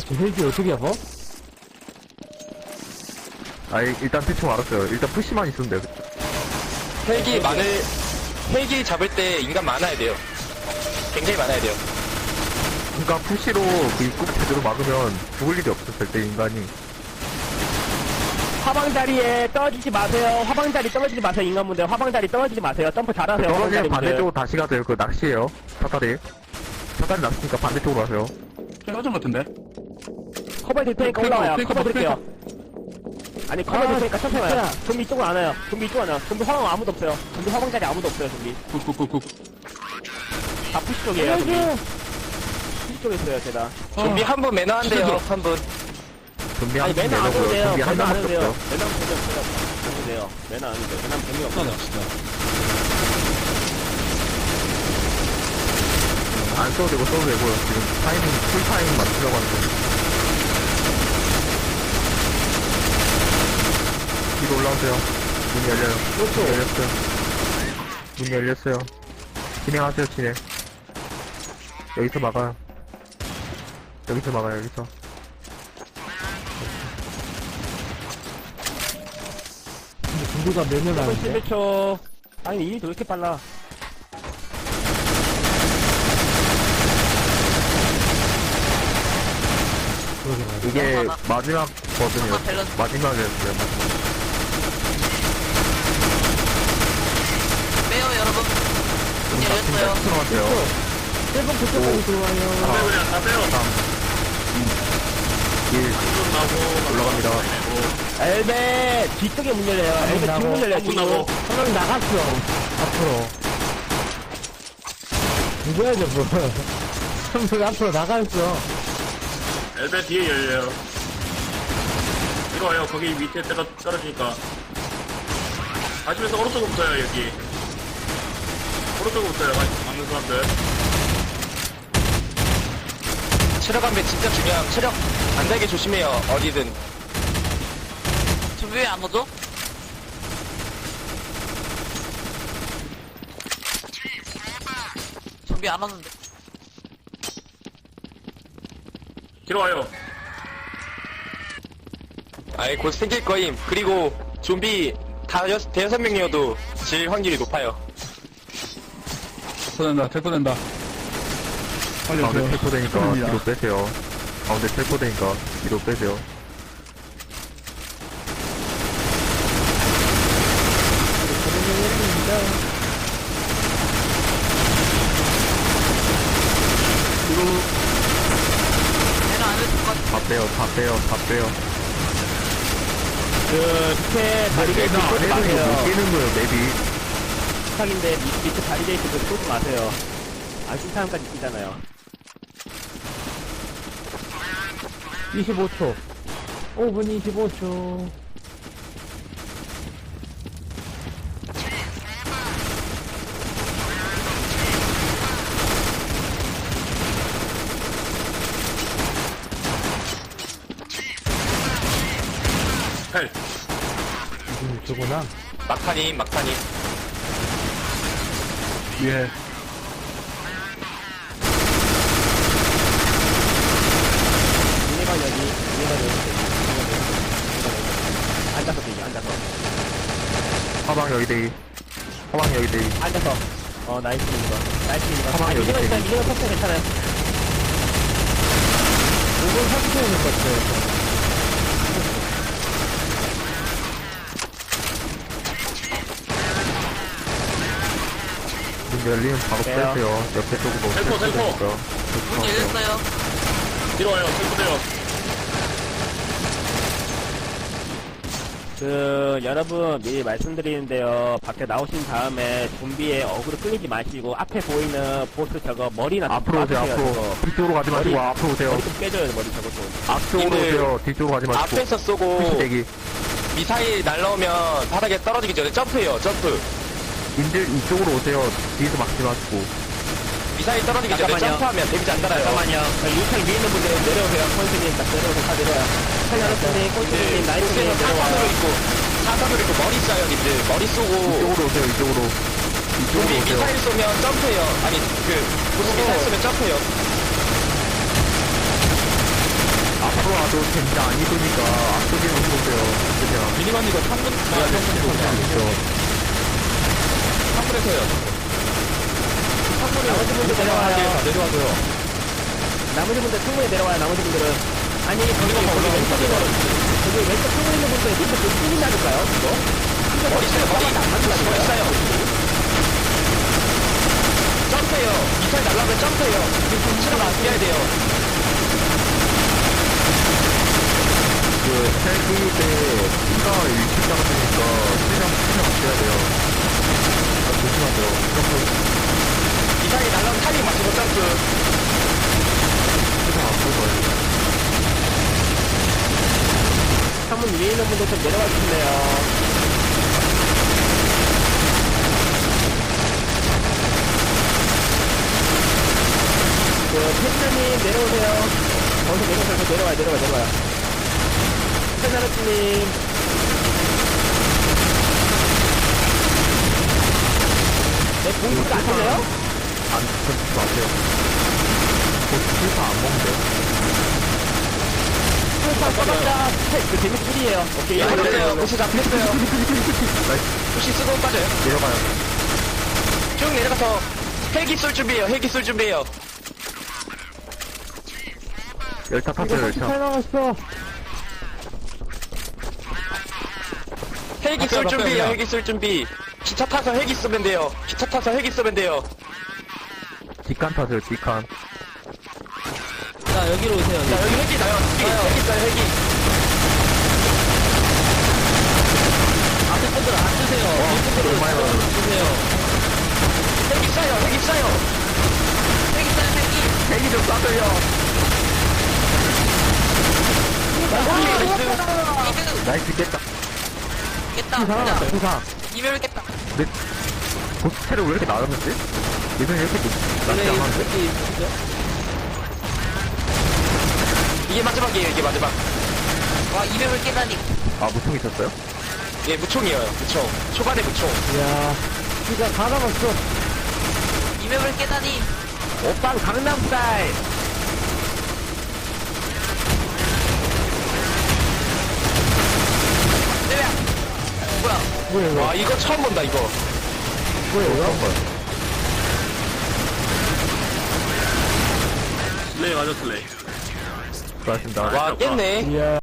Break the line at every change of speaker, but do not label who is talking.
저 헬기 어떻게 잡아?
아이, 일단 대충 알았어요. 일단 푸시만 있으면 돼요.
헬기 잡을 때 인간 많아야 돼요. 굉장히 많아야 돼요.
그러니까 푸시로 그 입구를 제대로 막으면 죽을 일이 없어, 절대 인간이.
화방다리에 떨어지지 마세요. 화방다리 떨어지지 마세요. 인간분들 화방다리 떨어지지 마세요. 점프 잘하세요.
떨어지면
화방다리 분들.
반대쪽으로 다시 가세요. 그 낚시예요. 사다리. 사다리 낚시니까 반대쪽으로 가세요.
떨어진 것 같은데?
커버 될 테니까 올라와요. 커버 드릴게요. 아니 커버 될 테니까 천천히 와요.
진짜.
좀비 이쪽으로 안 와요. 좀비 이쪽으로 안 와요. 좀비 화방 아무도 없어요. 좀비 화방다리 아무도 없어요. 좀비
쿡쿡쿡쿡.
다 푸시 쪽이에요. 좀비 푸시 쪽에 있어요. 제가.
좀비 한 분 매너한데요. 한 분.
준비
아니
한
매너 안 해도
내려고요.
돼요.
준비 한
매너 안
명밖에
해도 돼요.
없어요.
매너 안 해도 돼요. 매너 안 해도 돼요. 매너 재미없어요.
안 써도 되고 써도 되고요. 지금 타이밍, 풀타이밍 맞추려고 하는 거. 뒤로 올라오세요. 문 열려요. 문 열렸어요. 문 열렸어요. 진행하세요, 진행. 여기서 막아요. 여기서 막아요, 여기서.
근데 중도가 몇년 하는데?
11초. 아니 일이 왜 이렇게 빨라?
그러게 말이야.
이게 마지막 버튼이요. 마지막이었어요.
빼요 여러분. 문 열렸어요.
들어가세요.
1번 그쪽까지 들어와요.
그냥 다 빼요.
1. 올라갑니다.
엘베 뒤쪽에 문 열려요. 엘베
나고.
뒷문 열려요.
문 나고.
한명 나갔어. 앞으로. 누구야, 저거? 형들 앞으로 나갔어.
엘베 뒤에 열려요. 이리 와요. 거기 밑에 떨어지니까. 가시면서 오른쪽부터요, 여기. 오른쪽부터요, 맞는 사람들.
체력 안배 진짜 중요함. 체력 안 달게 조심해요. 어디든.
준비 왜 안 오죠? 준비 안 왔는데.
뒤로 와요.
아예 곧 생길 거임. 그리고 좀비 대여섯 명이어도 질 확률이 높아요.
체포된다.
가운데 텔포되니까 뒤로 빼세요. 가운데 텔포되니까 뒤로 빼세요.
내가 안 해줄 것 같아.
다 빼요, 다 빼요, 다 빼요.
그 밑에 바리게이트 쏘지
못
마세요.
깨는 거예요, 맵이.
부탁인데 밑에 바리게이트 그 쏘지 마세요. 안쓴 사람까지 뛰잖아요.
25초. 5분 25초.
헬.
26초구나.
막판임.
예.
얘가 여기. 앉아서 뛰죠. 앉아서.
화방 여기 대기. 화방 여기 대기.
앉아서. 나이스 이거. 나이스 이거.
가만히 여기
이거는
있어요.
일단 이거는 속도 괜찮아요.
5분 30초 오는 것 같아요.
문 열리면 바로
빼요.
빼세요. 옆에 쪽으로
텔포, 텔포.
텔포되니까.
문 열렸어요.
뒤로 와요. 체포돼요.
여러분 미리 말씀드리는데요. 밖에 나오신 다음에 좀비의 어그로 끌리지 마시고 앞에 보이는 보스 저거 머리나 좀
앞으로 오세요,
빠지세요,
앞으로.
저거.
뒤쪽으로 가지 마시고
머리-
앞으로 오세요.
머리 좀 깨져요, 머리 저것도.
앞쪽으로
근데
오세요. 뒤쪽으로 가지 마시고.
앞에서
푸시
쏘고
대기.
미사일 날라오면 바닥에 떨어지기 전에 점프해요. 점프.
님들 이쪽으로 오세요. 뒤에서 막지 마시고.
미사일 떨어지기 전에
잠깐만요.
점프하면 데미지 안 달아요.
잠깐만요. 유창 위에 있는 분들 내려오세요. 콘수님 딱 내려오세요. 다 내려와요. 콘수님, 콘수님, 나이스님
사선으로
내려와요.
있고 사선으로 있고 머리 쏴요, 님들. 머리 쏘고
이쪽으로 오세요, 이쪽으로. 이쪽으로
좀비
오세요.
미사일 쏘면 점프해요. 아니 보스 미사일 쏘면 점프해요.
또 젠장 안 입으니까 앞쪽에 보세요. 그냥.
미니건 이거 창문, 창문에서요.
나머지 분들 내려와요.
내려와줘요.
나머지 분들 충분히 내려와요. 나머지 분들은. 아니, 거기 왼쪽 창문 있는 분들 밑에 그 뚫린다니까요, 그거?
머리 있어요, 머리.
안 맞는다니까요.
머리 있어요. 점프해요. 미사일 날라오면 점프해요. 지금 치러가 안 뛰어야 돼요.
그, 헬기 때, 피가 일찍 잡았으니까, 최대한 아껴야 돼요. 아, 조심하세요.
미사일 날라오면 타이밍 맞추고 점프.
최대한 앞으로 가요.
창문 위에 있는 분들 좀 내려와 주실래요? 그, 펜나님 내려오세요. 거기서 내려와요. 펜나르님. 네, 공격도 안 터져요?
안, 던지지 마세요. 필사 안 먹는데요.
써봤자, 그 재밌 꿀이에요. 오케이,
잡혔어요. 부시 잡혔어요. 부시 쓰고 빠져요.
내려가요.
쭉 내려가서 헬기 쏠 준비해요. 헬기 쏠 준비해요.
열타 탔어요, 열타.
잘 나갔어.
헬기 쏠 준비해요. 헬기 쏠 준비. 기차 타서 헬기 쏘면 돼요. 기차 타서 헬기 쏘면 돼요.
뒷칸 탔어요, 뒷칸.
자, 여기로 오세요.
자, 여기 헬기 나요. 헬기 쏴요, 헬기.
앞에 분들 안 주세요.
너무 많이 나와요.
주세요.
헬기 쏴요, 헬기 쏴요.
헬기 있어요, 헬기.
헬기 좀 쏴줘요.
이득.
나이스 깼다.
깼다,
살아났어,
진짜.
부상.
이별을 깼다.
근데, 보스체를 왜 이렇게 나갔는지? 예전에 이렇게 낮지 않았는데?
이게 마지막이에요, 이게 마지막.
와, 이별을 깨다니.
아, 무통 있었어요?
예, 무총이에요, 무총. 초반에 무총.
이야, 진짜 다 남았어.
이별을 깨다니.
오빵 강남스타일.
내려. 뭐야.
뭐야, 이거?
와, 이거 처음 본다, 이거.
뭐야, 이거?
슬레이 맞아, 슬레이.
수고하셨습니다.
와, 깼네.
이야.